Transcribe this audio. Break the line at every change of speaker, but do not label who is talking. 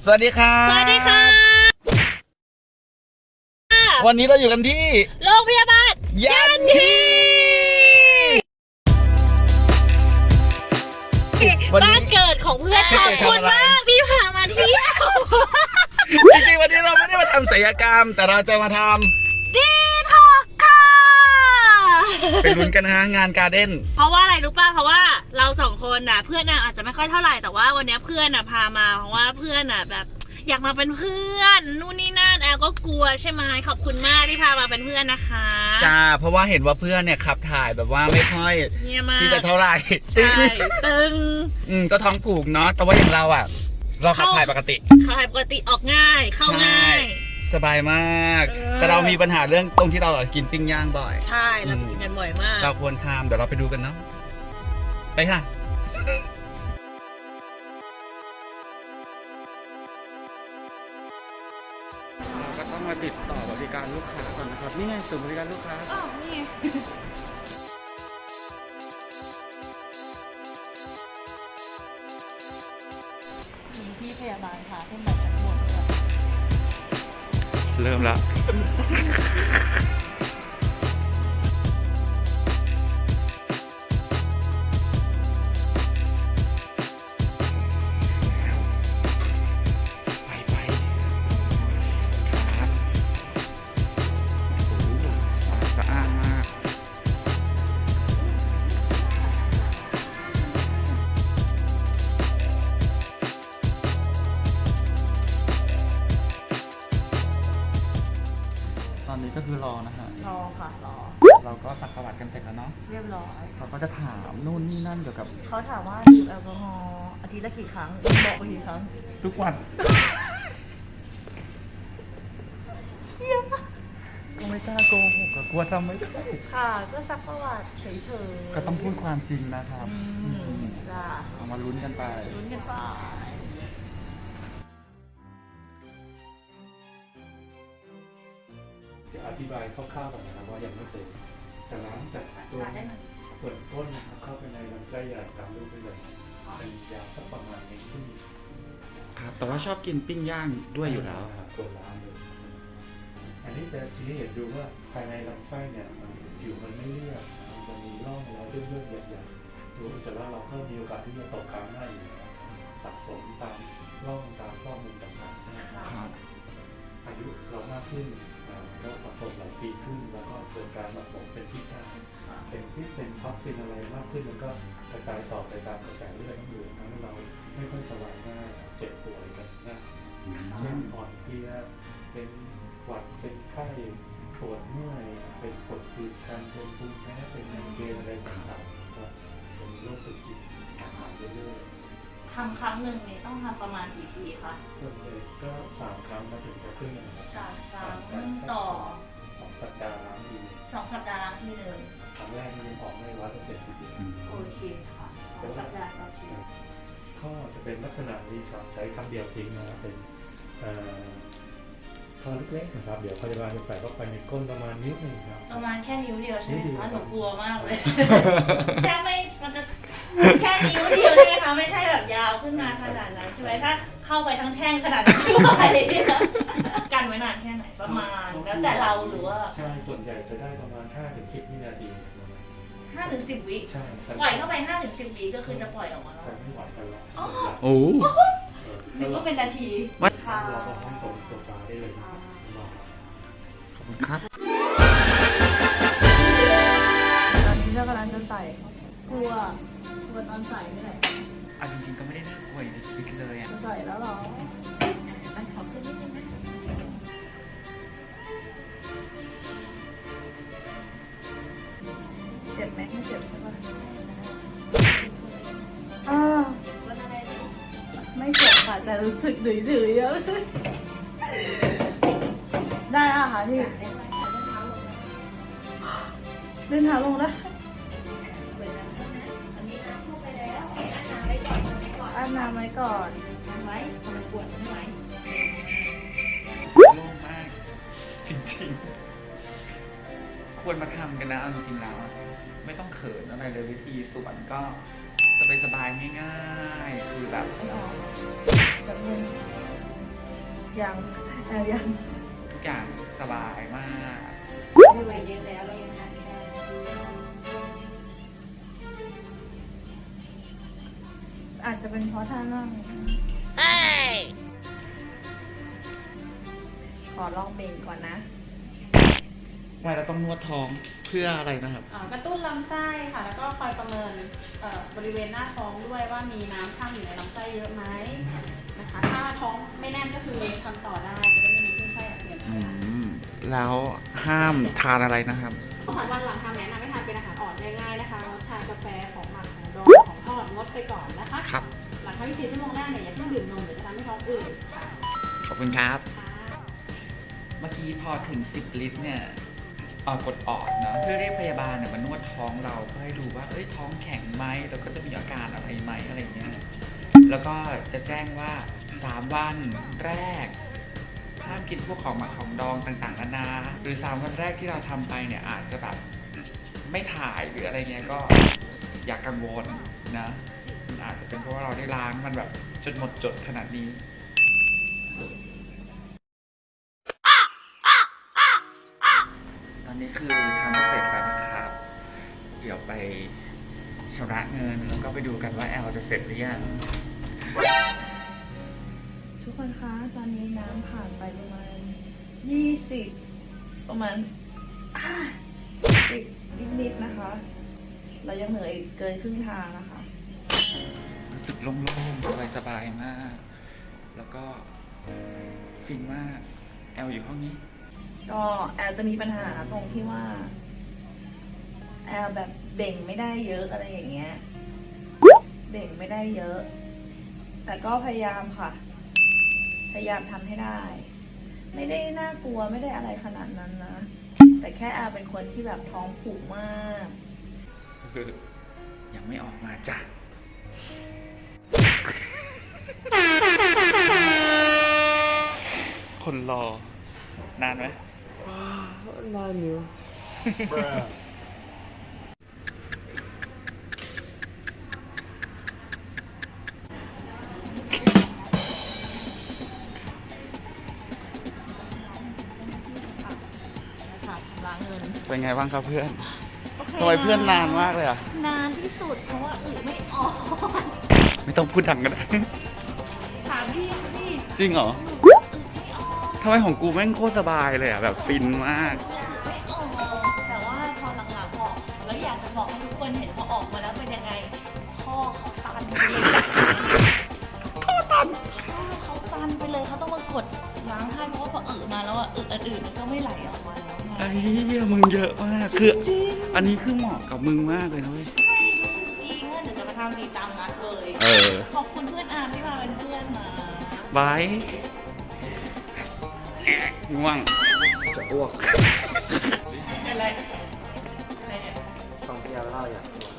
สวัสดีครับ
สวัสดีค่ะ
วันนี้เราอยู่กันที่
โรงพยาบาล
ยันฮี
บ้านเกิดของเพื่อนขอบคุณมากที่พามาเที่ยว
จริงๆวันนี้เราไม่ได้มาทำศัลยกรรม แต่เราจะมาท
ดีท็อกค่ะ
ำไปลุ้นกันนะฮะงานการ์เด้น
เพราะว่าอะไรรู้ป่ะเพราะว่าเราสองคนน่ะเพื่อนน่ะอาจจะไม่ค่อยเท่าไหร่แต่ว่าวันนี้เพื่อนน่ะพามาเพราะว่าเพื่อนน่ะแบบอยากมาเป็นเพื่อนนู่นนี่นั่นแอลก็กลัวใช่ไหมขอบคุณมากที่พามาเป็นเพื่อนนะคะ
จ้าเพราะว่าเห็นว่าเพื่อนเนี่ยขับถ่ายแบบว่าไม่ค่อยที่จะเท่าไหร่
ใช่ตึง
ก็ท้องผูกเนาะแต่ว่าอย่างเราอ่ะเราขับถ่ายปกติ
ขับถ่ายปกติออกง่ายเข้าง่าย
สบายมากแต่เรามีปัญหาเรื่องตรงที่เรากินปิ้งย่างบ่อย
ใช่เรากินกันบ่อยมาก
เราควรทำเดี๋ยวเราไปดูกันเนาะไปค่ะเราก็ต้องมาติดต่อบริการลูกค้าก่อนนะครับนี่ไงศูนย์บริการลูกค้า
อ๋อนี่ไงมีพี่พยาบาลค่ะขึ้นแบบทั้งหมด
เริ่มแล้วตอนนี้ก็คือรอนะฮะ
รอค่ะรอ
เราก็สักประวัติกันเสร็จแล้วเนาะ
เรียบร้อย
เขาก็จะถามนู่นนี่นั่นเกี่ยวกับ
เขาถามว่าดื่มแอลกอฮอล์อาทิตย์ละกี่ครั้งบอกไปกี่ครั้ง
ทุกวันก็ไม่กล้าโกหกก็กลัวทำไม่ได้
ค่ะก็ซักประวัติเฉยๆ
ก็ต้องพูดความจริงนะครับ
จ้า
เอามาลุ้นกันไป
ลุ้นกันไป
เดี๋ยวอธิบายคร่าวๆก่อนนะครับว่ายังไม่เสร็จจะล้างจากตัวส่วนก้นนะครับเข้าไปในลำไส้ใหญ่ตามรูปได้เลยเป็นยาวสักประมาณ1 ขึ้น
ครับแต่ว่าชอบกินปิ้งย่างด้วยอยู่แล้ว
ตัวล้างเลยอันนี้จะชี้ให้เห็นดูว่าภายในลำไส้เนี่ยผิวมันไม่เรียบมันจะมีร่องรอยเลื่อนๆใหญ่ๆดูแต่ว่าเราก็มีโอกาสที่จะตกค้างได้อยู่สะสมตามร่องตามซอกมุมต่างๆนะครับอายุเรามากขึ้นก็สะสมหลายปีขึ้นแล้วก็เกิดการหมักหมมเป็นพิษได้เป็นพิษเป็นท็อกซินอะไรมากขึ้นมันก็กระจายต่อไปตามกระแสเลือดทั้งหมดทำให้เราไม่ค่อยสบายง่ายเจ็บป่วยกันนะเช่นอ่อนเพลียเป็นหวัดเป็นไข้ปวดเมื่อยเป็นปวดตีบการเป็นภูมิแพ้เป็นไมเกรนอะไรต่างๆก็จะมีโรคตึกจิตหายเรื่อย
ๆทำครั้งหนึ่งนี่ต้องทำประมาณกี่ทีคะ
ส่วนใหญ่ก็3 ครั้งมาถึงจะขึ้นนะครับ
3 ครั้งต่อ
2 สัปดาห์ล้างที
2 สัปดาห์ล้างทีเลย
ครั้งแรกมันยังออกไม่100%ทีเดียว
โอเคค่ะ2 สัปดาห์ต่อที
ท่อจะเป็นลักษณะนี้ครับใช้ครั้งเดียวทิ้งนะเป็นท่อเล็กๆนะครับเดี๋ยวพยาบาลจะใส่เข้าไปในก้นประมาณนิ้ว 1ครับ
ประมาณแค่นิ้วเดียวใช่ไหมคะหนูกลัวมากเลยแค่ไม่มันจะแค่นิ้วเดียวใช่ไหมคะไม่ใช่แบบยาวขึ้นมาขนาดนั้นใช่ไหมถ้าเข้าไปทั้งแท่งขนาดนั้นไม่ไหวกันไว้นานแค่ไหนประมาณแล้วแต่เราหรือว่า
ใช่ส่วนใหญ่จะได้ประมาณ5-10 วินาที
5-10 วิ
ใช่
ปล่อยเข้าไป5-10 วิก็คือจะปล่อยออกมาแล้ว
จะไม่ไหวกันแล้ว
โอ้
นึกว่าเป็นนาที
ค่ะเราก็ห้องตรงโซฟาได้เลย
ขอบคุณครับ
ตอนนี้เรากำลังจะใส่กลัวตอนใส่นี่แหละ
จริงๆก็ไม่ได้น่ากลัวอย่างที่คิดเลยอ่ะ
ใส่แล้วหรออันขอขึ้นนิดนึงนะเจ็บไหมไม่เจ็บใช่ป่ะไม่เจ็บค่ะแต่รู้สึกดื้อๆเยอะได้อ่ะค่ะพี่เดินเท้าลงได้อาบน้ำไว้ก่อนไว้ทำไมปวดไม่ไหว
โล่งมากจริงๆควรมาทำกันนะจริงๆแล้วไม่ต้องเขินอะไรเลยวิธีสวนก็สบายๆง่ายๆคือแบบ
ยังยัง
ทุกอย่างสบายมาก
ไม่ไหวเยอะแล้วเรายังทำไม่ได้อาจจะเป็นเพราะท่านั่งขอลองเบ่งก่อนนะ
ทำไมเราต้องนวดท้องเพื่ออะไรนะครับ
กระตุ้นลำไส้ค่ะ แล้วก็คอยประเมินบริเวณหน้าท้องด้วยว่ามีน้ำข้างอยู่ในลำไส้เยอะไหมนะคะ ถ้าท้องไม่แน่นก็คือทำต่อได้จะได้ไม่มีขึ้นไส้อาเจียน
แล้วห้ามทานอะไรนะครับ
อาหารวันหลังทำแนะนำให้ทานเป็นอาหารอ่อนง่ายๆนะคะชากาแฟของหมักของดองของทอดงดไปก่อนนะคะ
ครับ
หลัง24 ชั่วโมงแรกเนี่ยอย่าเพิ่งดื่มนมเดี๋ยวจะทำให้ท้องอืดค่ะ
ขอบคุณครับ
ค่ะ
เมื่อกี้พอถึง 10 ลิตรเนี่ยกดออดนะเพื่อเรียกพยาบาลเนี่ยมานวดท้องเราเพื่อให้ดูว่าท้องแข็งไหมแล้วก็จะมีอาการอะไรไหมอะไรเงี้ยแล้วก็จะแจ้งว่า3 วันแรกห้ามกินพวกของหมักของดองต่างๆนานาหรือ3 วันแรกที่เราทำไปเนี่ยอาจจะแบบไม่ถ่ายหรืออะไรเงี้ยก็อย่ากังวลนะมันอาจจะเป็นเพราะว่าเราได้ล้างมันแบบจนหมดจดขนาดนี้ ตอนนี้คือทำเสร็จแล้วนะครับ เดี๋ยวไปชำระเงินแล้วก็ไปดูกันว่าแอลจะเสร็จหรือยัง
ทุกคนคะตอนนี้น้ำผ่านไปประมาณ20ประมาณ10นิดๆนะคะ เรายังเหนื่อยเกินครึ่งทางนะคะ
รู้สึกโล่งๆสบายๆมาก แล้วก็ฟินมาก แอลอยู่ห้องนี้
ก็แอลจะมีปัญหาตรงที่ว่าแอลแบบเบ่งไม่ได้เยอะอะไรอย่างเงี้ย เบ่งไม่ได้เยอะ แต่ก็พยายามค่ะ พยายามทำให้ได้ ไม่ได้น่ากลัวไม่ได้อะไรขนาดนั้นนะ แต่แค่แอลเป็นคนที่แบบท้องผูกมาก
ยังไม่ออกมาจ้ะ คนรอนานไหม
นานอยู่
ค่ะชำระเงิน
เป็นไงบ้างครับเพื่อนทำไมเพื่อนนานมากเลยอ่ะ
นานที่สุดเพราะว่าอึไม่ออก
ไม่ต้องพูดดังกันนะ
ถามพี่พี่
จริงเหรอ
อึไม่ออก
ทำไมของกูแม่งโคตรสบายเลยอ่ะแบบฟินมาก
ไม่ออกแต่ว่าพอหลังๆออกแล้วอยากจะบอกให้ทุกคนเห็นพอออกมาแล้วเป็นยังไงพ่อเขาตันไปเลยพ่อเขาตันไปเลยเขาต้องมากดล้างให้เพราะว่าพอมาแล้วอ่ะอันอื่นมันก็ไม่ไหลออกมาแล้วไง
ไอ้เหี้ยมึงเยอะมาก คือ
จริง
อันนี้คือเหมาะกับมึงมากเลยนะเว้ย
ใช่รู้สึกดีว่าเดี๋ยวจะมาทำดีตามนัดเลย
เออ
ขอบคุณเพื่อนอาร์มที่มาเป็นเพื่อนนะ
บายง่วง จะอ้วก
เป็นไรอะไรเนี่ย
ต้องเที่ยวเล่าอย่าง